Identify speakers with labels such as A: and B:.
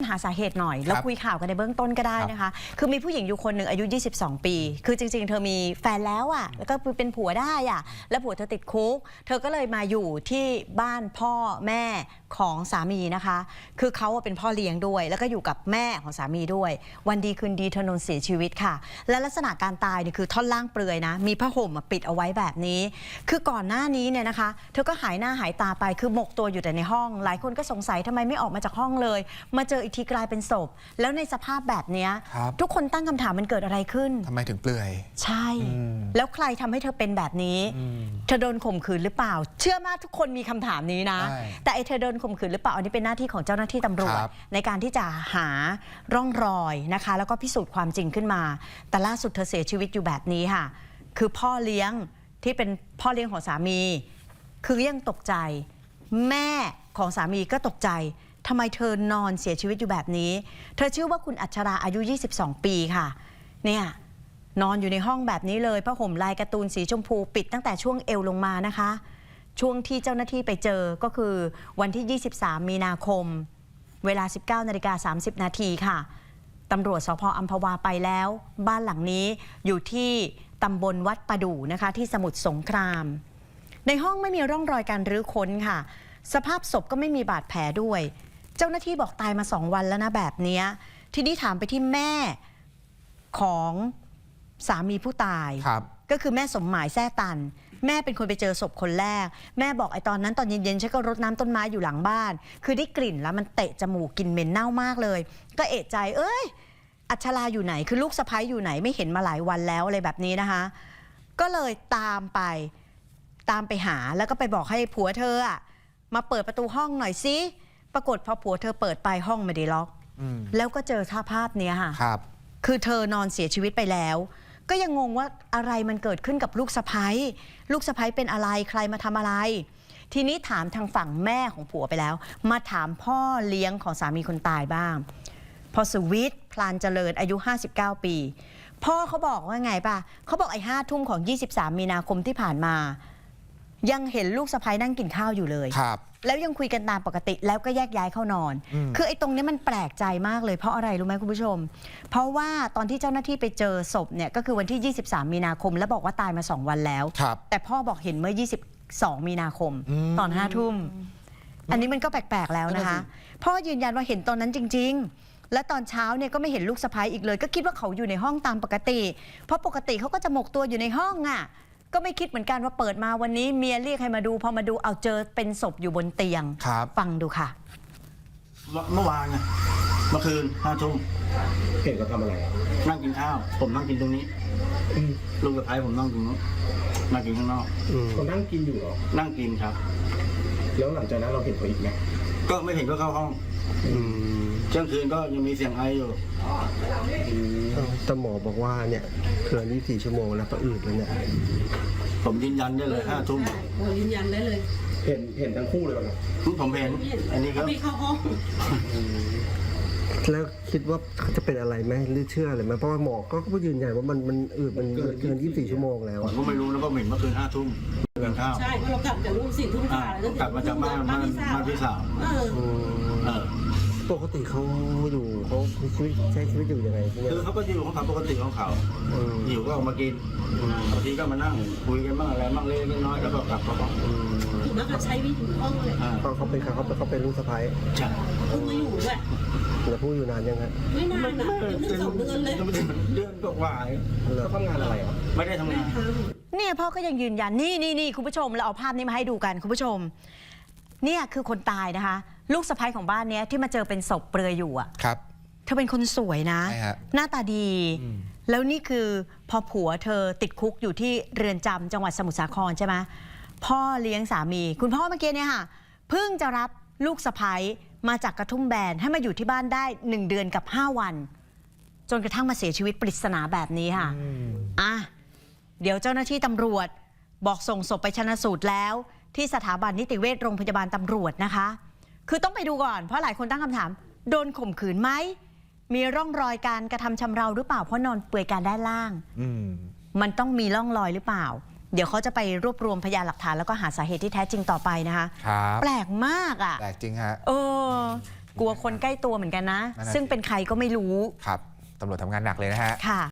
A: หาสาเหตุหน่อยแล้วคุยข่าวกันในเบื้องต้นก็ได้นะคะคือมีผู้หญิงอยู่คนหนึ่งอายุ22 ปีคือจริงๆเธอมีแฟนแล้วอ่ะแล้วก็เป็นผัวได้อ่ะแล้วผัวเธอติดคุกเธอก็เลยมาอยู่ที่บ้านพ่อแม่ของสามีนะคะคือเขาเป็นพ่อเลี้ยงด้วยแล้วก็อยู่กับแม่ของสามีด้วยวันดีคืนดีเธอนอนเสียชีวิตค่ะและลักษณะการตายเนี่ยคือท่อนล่างเปลือยนะมีผ้าห่มปิดเอาไว้แบบนี้คือก่อนหน้านี้เนี่ยนะคะเธอก็หายหน้าหายตาไปคือหมกตัวอยู่แต่ในห้องหลายคนก็สงสัยทำไมไม่ออกมาจากห้องเลยมาเจออีกทีกลายเป็นศพแล้วในสภาพแบบนี้ทุกคนตั้งคำถามมันเกิดอะไรขึ้น
B: ทำไมถึงเปลือย
A: ใช่แล้วใครทำให้เธอเป็นแบบนี้เธอโดนข่มขืนหรือเปล่าเชื่อมากทุกคนมีคำถามนี้นะแต่เธอโดนข่มขืนหรือเปล่าอันนี้เป็นหน้าที่ของเจ้าหน้าที่ตำรวจในการที่จะหาร่องรอยนะคะแล้วก็พิสูจน์ความจริงขึ้นมาแต่ล่าสุดเธอเสียชีวิตอยู่แบบนี้ค่ะคือพ่อเลี้ยงที่เป็นพ่อเลี้ยงของสามีคือยังตกใจแม่ของสามีก็ตกใจทำไมเธอนอนเสียชีวิตอยู่แบบนี้เธอชื่อว่าคุณอัชราอายุ22 ปีค่ะเนี่ยนอนอยู่ในห้องแบบนี้เลยผ้าห่มลายการ์ตูนสีชมพูปิดตั้งแต่ช่วงเอวลงมานะคะช่วงที่เจ้าหน้าที่ไปเจอก็คือวันที่23 มีนาคมเวลา 19:30 นาทีค่ะตำรวจสภ.อัมพวาไปแล้วบ้านหลังนี้อยู่ที่ตำบลวัดประดู่นะคะที่สมุทรสงครามในห้องไม่มีร่องรอยการรื้อค้นค่ะสภาพศพก็ไม่มีบาดแผลด้วยเจ้าหน้าที่บอกตายมา2 วันแล้วนะแบบนี้ทีนี้ถามไปที่แม่ของสามีผู้ตายก็คือแม่สมหมายแซ่ตันแม่เป็นคนไปเจอศพคนแรกแม่บอกไอ้ตอนนั้นตอนเย็นๆฉันก็รดน้ำต้นไม้อยู่หลังบ้านคือได้กลิ่นแล้วมันเตะจมูกกลิ่นเหม็นเน่ามากเลยก็เอะใจอัชราอยู่ไหนคือลูกสะใภ้อยู่ไหนไม่เห็นมาหลายวันแล้วอะไรแบบนี้นะคะก็เลยตามไปหาแล้วก็ไปบอกให้ผัวเธอมาเปิดประตูห้องหน่อยสิปรากฏพอผัวเธอเปิดไปห้องไม่ได้ล็อกแล้วก็เจอภาพนี้ค่ะคือเธอนอนเสียชีวิตไปแล้วก็ยังงงว่าอะไรมันเกิดขึ้นกับลูกสะใภ้เป็นอะไรใครมาทำอะไรทีนี้ถามทางฝั่งแม่ของผัวไปแล้วมาถามพ่อเลี้ยงของสามีคนตายบ้างพอสุวิทย์พลานเจริญอายุ59 ปีพ่อเขาบอกว่าไงป่ะเขาบอก5 ทุ่มของ23 มีนาคมที่ผ่านมายังเห็นลูกสะใภ้นั่งกินข้าวอยู่เลยแล้วยังคุยกันตามปกติแล้วก็แยกย้ายเข้านอนคือไอ้ตรงนี้มันแปลกใจมากเลยเพราะอะไรรู้ไหมคุณผู้ชมเพราะว่าตอนที่เจ้าหน้าที่ไปเจอศพเนี่ยก็คือวันที่23 มีนาคมแล้วบอกว่าตายมา2 วันแล้วแต่พ่อบอกเห็นเมื่อ22 มีนาคมตอน5 ทุ่มอันนี้มันก็แปลกๆแล้วนะคะพ่อยืนยันว่าเห็นตอนนั้นจริงๆและตอนเช้าเนี่ยก็ไม่เห็นลูกสะใภ้อีกเลยก็คิดว่าเขาอยู่ในห้องตามปกติเพราะปกติเขาก็จะหมกตัวอยู่ในห้องก็ไม่คิดเหมือนกันว่าเปิดมาวันนี้เมียเรียกให้มาดูพอมาดูเอาเจอเป็นศพอยู่บนเตียงฟังดูค่ะ
C: เมื่อวานเมื่อคืน5 ทุ่ม
D: เห็นเขาทำอะไร
C: นั่งกินข้าวผมนั่งกินตรงนี้ลูกสะใภ้ผมนั่งตรงนู้นนั่งกินข้างนอก
D: เขานั่งกินอยู่เหรอ
C: นั่งกินครับ
D: แล้วหลังจากนั้นเราเห็นเขาอีกไหม
C: ก็ไม่เห็นก็เข้าห้องเที่ยงคืนก็ยังมีเสียงไออยู่
D: แต่หมอบอกว่าเนี่ยเกิน24 ชั่วโมงแล้วก็อืดแล้วเนี่ย
C: ผมยืนยันได้เลย5 ทุ่ม
E: ยืนยันได้เลย
D: เห็นทั้งคู่เลยเหรอ
C: ผมเห็นอันนี้ก็
E: ไม่เข้าห้อง
D: แล้วคิดว่าเขาจะเป็นอะไรไหมหรือเชื่ออะไรไหมเพราะว่าหมอก็ยืนยันว่ามันอืดมันเกิน24 ชั่วโมงแล้ว
C: ผมก็ไม่รู้แล้วก็เห็นเมื่อคืน5 ทุ่มกินข้าว
E: ใช่เรากลับจากลูก4 ทุ่ม
C: กลับมาจากบ้านพี่สาว
D: ปกติเขาอยู่เขาใช้ชีวิตอยู่ยังไง
C: คือเขาก็อยู่ของเขาปกติของเขาหิวก็ออกมากินบางทีก็มานั่งคุยกันบ้างอะไรบ้างเล็กน้อยแล้วก็กลับเขาบอก
E: ถูกแล้วก็ใช้วิถีห้องเลย
D: เขาเป็นลูกสะใภ้
C: ใช่
E: เพิ่งมาอยู่ด้วย
D: แล้วพูดอยู่นานยังไง
E: ไม่นานนะ2 เดือนเลย
C: เดือนก็ว่า
D: เขาทำงานอะไร
C: ไม่ได้ทำงาน
A: เนี่ยพ่อก็ยังยืนยันนี่คุณผู้ชมเราเอาภาพนี้มาให้ดูกันคุณผู้ชมเนี่ยคือคนตายนะคะลูกสะใภ้ของบ้านนี้ที่มาเจอเป็นศพเปลือยอยู่
B: ครับ
A: เธอเป็นคนสวยนะหน้าตาดีแล้วนี่คือพอผัวเธอติดคุกอยู่ที่เรือนจำจังหวัดสมุทรสาครใช่ไหมพ่อเลี้ยงสามีคุณพ่อเมื่อกี้เนี่ยค่ะเพิ่งจะรับลูกสะใภ้มาจากกระทุ่มแบนให้มาอยู่ที่บ้านได้1 เดือนกับ5 วันจนกระทั่งมาเสียชีวิตปริศนาแบบนี้ค่ะเดี๋ยวเจ้าหน้าที่ตำรวจบอกส่งศพไปชันสูตรแล้วที่สถาบันนิติเวชโรงพยาบาลตำรวจนะคะคือต้องไปดูก่อนเพราะหลายคนตั้งคำถามโดนข่มขืนไหมมีร่องรอยการกระทำชำเราหรือเปล่าเพราะนอนเปลือยกายด้านล่างมันต้องมีร่องรอยหรือเปล่าเดี๋ยวเขาจะไปรวบรวมพยานหลักฐานแล้วก็หาสาเหตุที่แท้จริงต่อไปนะคะแปลกมาก
B: แปลกจริงฮะ
A: กลัวคนใกล้ตัวเหมือนกันนะ ซึ่งเป็นใครก็ไม่รู้
B: ครับตำรวจทำงานหนักเลยนะฮะ
A: ค่ะ